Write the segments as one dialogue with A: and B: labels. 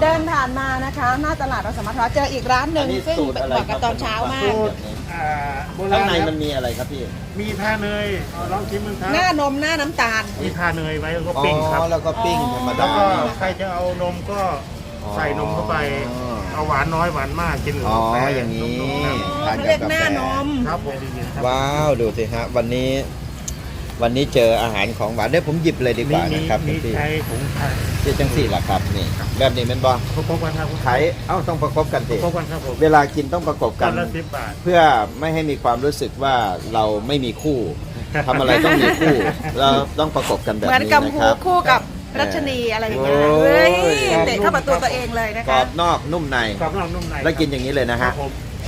A: เดินผ่านมานะคะหน้าตลาดเราสามารถเจออีกร้านหนึ่งซึ่งบอกกันตอนเช้ามาก
B: ข้างในมันมีอะไรครับพี่
C: มีทาเนยลองชิมมั้งครับ
A: หน้านมหน้าน้ำตาล
C: มีทาเนยไว้แล้วก็ปิ้งครับ
B: แล้วก็ปิ้งธรรม
C: แล้ว
B: ดา
C: ก็ใครจะเอานมก็ใส่นมเข้าไป เอาหวานน้อยหวานมากกินกับ
B: อ๋อก
C: าแฟ
B: อย่างนี้
C: นุ่มๆ
B: ทาน
A: เขา
B: กั
A: เรี
B: บ
A: ยก
B: กา
A: ห
B: แฟ
A: น้านม
C: ครับผมครับ
B: ว้าวดูสิฮะวันนี้เจออาหารของหวานเดี๋ยวผมหยิบเลยดีกว่านะครับ
C: มี
B: พี่
C: ไทยผงไทย
B: ที่จังสี่ล่ะครับนี่แบบนี้เป็นบอ
C: ประกบกันครับ
B: ขายต้องประกบกันสิ
C: ประกบกันครับผม
B: เวลากินต้องประกบกั
C: กัน นละ10 บาท
B: เพื่อไม่ให้มีความรู้สึกว่าเราไม่มีคู่ทำอะไรต้องมีคู่เราต้องประกบกันแบบ
A: เหมือน
B: นี้
A: กัม
B: นะ
A: พู
B: ครับ
A: คู่กับรัชนีอะไรอย่างเงี้ย
B: โอ้ย
A: เฮ้ยเตะเข้าประตูตัวเองเลยนะ
B: กร
A: คะ
B: อบนอกนุ่มใน
C: กรอบนอกนุ่มใน
B: แล้วกินอย่างนี้เลยนะ
C: ครั
B: ฮะ
C: บผม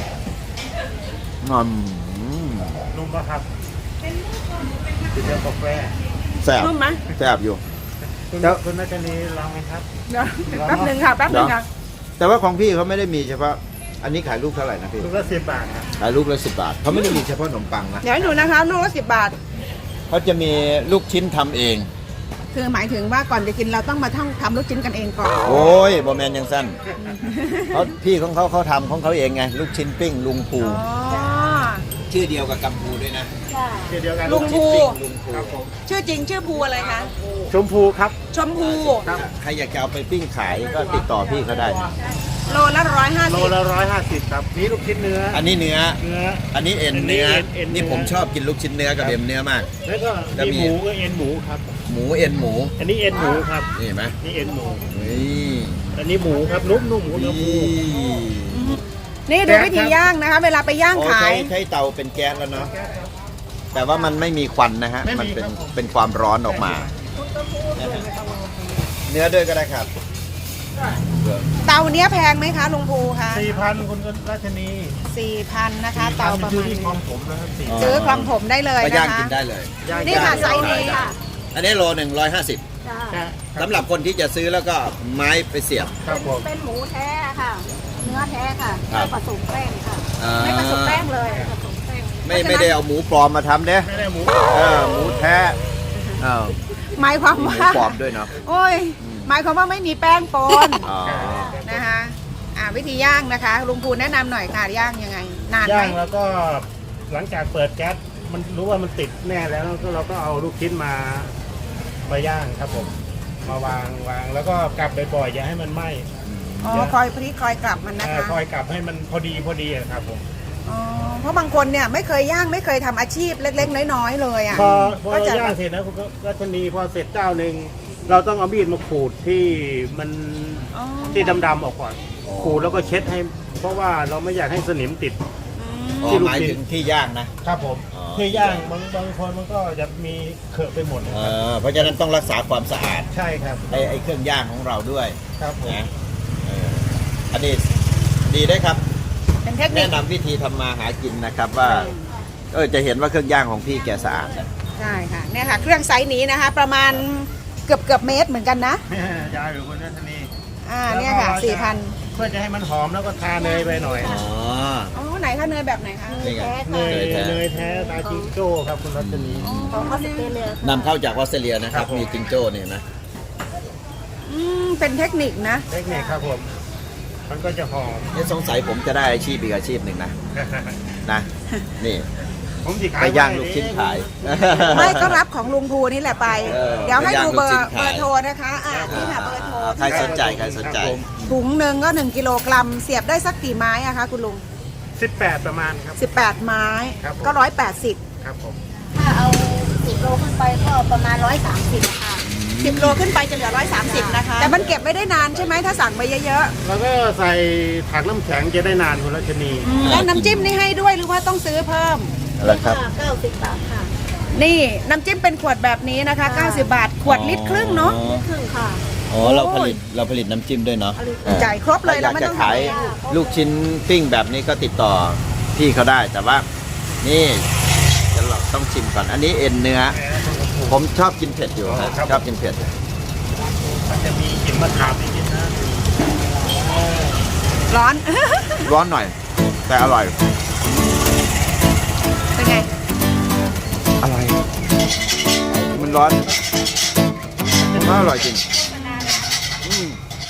C: นุ่มปะครับกินเดียวกาแฟ
B: แซ่บ
A: นุ่มไหม
B: แซ่บอยู่
C: คุณ
B: แล้ว
C: คุณนัชนีลองไหมครับ
A: เดี๋ยวแป๊บหนึ่งค่ะแป๊บหนึ่งค่ะ
B: แต่ว่าของพี่เขาไม่ได้มีเฉพาะอันนี้ขายลูกเท่าไหร่นะพี่
C: ลูกละ10 บาทครับ
B: ขายลูกละ10 บาทเขาไม่ได้มีเฉพาะขนมปังนะ
A: เดี๋ยวให้ดูนะคะลูกละ10 บาท
B: เขาจะมีลูกชิ้นทำเอง
A: คือหมายถึงว่าก่อนจะกินเราต้องมาทำลูกชิ้นกันเองก่อน
B: โอ้ยบอแมนยังสั้นเขาพี่ของเขาทำของเขาเองไงลูกชิ้นปิ้งลุงภู
A: อ๋อ
B: ชื่อเดียวกับกัมพูด้วยนะ
C: ชื่อเดียวกัน
A: ลุงภู
B: ลุงภู
C: ครับผม
A: ชื่อจริงชื่อภูอะไรคะ
C: ชมพูครับ
A: ชมพู
B: ใครอยากจะเอาไปปิ้งขายก็ติดต่อพี่เขาได้นะ
A: โลละ150
C: โลละ150ครับนี่ลูกชิ้นเนื้อ
B: อันนี้เนื้อ
C: เนื้อ
B: อันนี้เอ็นเนื้อ
C: เอ็นเนื้อ
B: นี่ผมชอบกินลูกชิ้นเนื้อกับเอ็นเนื้อมาก
C: แล้วก็
B: แล้วมี
C: มีหมูก็เอ็นหมูครับ
B: หมูเอ็นหมู
C: อันนี้เอ็นหมูครับ
B: นี่เห็นไหม
C: นี่เอ็นหมู
B: นี่
C: อันนี้หมูครับนุ่มๆหมูเนื้อหมู
A: นี่ดูวิธีย่างนะคะ เวลาไปย่าง
B: โอ้
A: ขาย
B: ใช้เตาเป็นแก๊สแล้วเนาะแต่ว่ามันไม่มีควันนะฮะมันเป็นความร้อนออกมา เนื้อด้วยก็ได้ครับ
A: เตาเนี้ยแพงไหมคะลุงภูคะ
C: 4,000คุณราชนี
A: 4,000นะคะ เตาประ
C: ชื่อ
A: มาณ
C: ที่
A: นี้
C: คลองผมนะครับ
A: ซื้อคลองผมได้เลย
B: ก็
A: นะ
B: ย่าง
A: คะ
B: กินได้เลย
A: นี่ค่ะไซส์นี้ค่ะ
B: อันนี้โล150สำหรับคนที่จะซื้อแล้วก็ไม้ไปเสียบ
C: ครับผม
D: เป็นหมูแท้ค่ะ เนื้อแท้ค่ะ
B: ครับ
D: ไม่ผสมแป้งค่ะ
B: อ่า
D: ไม่ผสมแป้งเลยผสมแป้ง
B: ไม่ได้เอาหมูปลอมมาทำเด้
C: ไม่ได้หมู
B: หมูแท้อ้าว
A: หมายความ
B: มีหมู
A: ว่า
B: ปลอมด้วยเนาะ
A: โอ้ย หมายความว่าไม่มีแป้งปน
B: อ๋อ
A: นะคะวิธีย่างนะคะ ลุงภูแนะนำหน่อยค่ะย่างยังไง นานไหม
C: ย่างแล้วก็หลังจากเปิดแก๊สมันรู้ว่ามันติดแน่แล้วเราก็เอาลูกชิ้นมาย่างครับผม มาวางแล้วก็กลับบ่อยๆอย่าให้มันไหม้
A: อ๋อคอยพลิกคอยกลับมันนะคะ
C: คอยกลับให้มันพอดีอะครับผม
A: อ๋อเพราะบางคนเนี่ยไม่เคยย่างไม่เคยทำอาชีพเล็กๆ น้อยๆเลยอ่ะ
C: พอ
A: ก็จะ
C: ย่างเสร็จนะคุณรัชนีพอเสร็จเจ้าหนึ่งเราต้องเอามีดมาขูดที่มัน
A: อ๋อ
C: ที่ดำๆออกก่อนขูดแล้วก็เช็ดให้ เพราะว่าเราไม่อยากให้สนิมติด
B: อ๋อหมายถึงที่ย่างนะ
C: ครับผม
B: อ๋อ
C: คือย่างบางคนมันก็จะมีเขอะไปหมดนะ
B: เอ
C: ครับ
B: เพราะฉะนั้นต้องรักษาความสะอาด
C: ใช่ครับ
B: ไอ้เครื่องย่างของเราด้วย
C: ครับผม
B: นะอันนี้ดีได้ครับ
A: เป็นเทคนิ
B: แนะ
A: คน
B: ำวิธีทำมาหากินนะครับว่าจะเห็นว่าเครื่องย่างของพี่แกสะอาด
A: ใช่ค่ะเนี่ยค่ะ เครื่องไซส์นี้นะคะ ประมาณเกือบเมตรเหมือนกันนะ
C: ยายหรือคุณรัชนี
A: เนี่ยค่ะ
C: เพื่อจะให้มันหอมแล้วก็ทาเนยไปหน่อย
B: อ๋อ
A: 4,000อ๋อไหนคะเนยแบบไหนคะ
B: นี่ไง
C: เนยแท้ตาจิงโจ้ครับคุณรัชนี
D: ของออสเตรเลีย
B: นำเข้าจากออสเตรเลียนะครับ
C: ครับผม
B: มีจิงโจ้เนี่ยนะ
A: เป็นเทคนิคนะ
C: เทคนิคครับผม มันก็จะหอม
B: สงสัยผมจะได้อาชีพอีกอาชีพหนึ่งนะนี่
C: ผมสิขาย
B: ไปย่างลูกชิ้นขาย
A: ไม่ก็รับของลุงภูนี่แหละไป เดี๋ยวให้ดูเบอ
B: ย่างลูกชิ้
A: ร์
B: นขาย
A: โทรนะคะนี่ค่ะเบอร์โทร
B: ใครสนใจใครสนใจ
A: ถุงหนึ่งก็1กิโลกรัมเสียบได้สักกี่ไม้อะคะคุณลุง
C: 18 ประมาณครับ
A: 18 ไม้
C: ครับผม
A: ก็180
C: ครับผม
D: ถ้าเอา10 โลขึ้นไปก็ประมาณ130ค่ะ
A: 10 โลขึ้นไปจะเหลือ130นะคะ แต่มันเก็บไม่ได้นานใช่ไหมถ้าสั่งไปเยอะ
C: แล้วก็ใส่ถังน้ำแข็งจะได้นานคุณรัชนี
A: ๆแล้วน้ำจิ้มนี่ให้ด้วยหรือว่าต้องซื้อเพิ่ม
B: แล้วครับ
D: 90 บาทค่ะ
A: นี่น้ำจิ้มเป็นขวดแบบนี้นะคะ 90 บาท ขวดลิตรครึ่งเนาะ
D: ครึ่งค่ะ
B: อ๋อเราผลิตน้ำจิ้มด้วยเนาะ
A: จ่ายครบเลย
B: อ
A: เรา
B: ยาก
A: ไม่
B: จะ
A: ต้อง
B: ขาย
A: ทำเอง
B: ลูกชิ้นปิ้งแบบนี้ก็ติดต่อพี่เขาได้แต่ว่า นี่เดี๋ยวเราต้องชิมก่อนอันนี้เอ็นเนื้อ ผมชอบกินเผ็ดอยู่ครับชอบกินเผ็ด
C: มันจะมีกลิ่นมะขามนิดๆนะ
A: ร้อน
B: ร้อนหน่อย แต่อร่อย
A: เป็นไง
B: อร่อยมันร้อนมันอร่อยจริง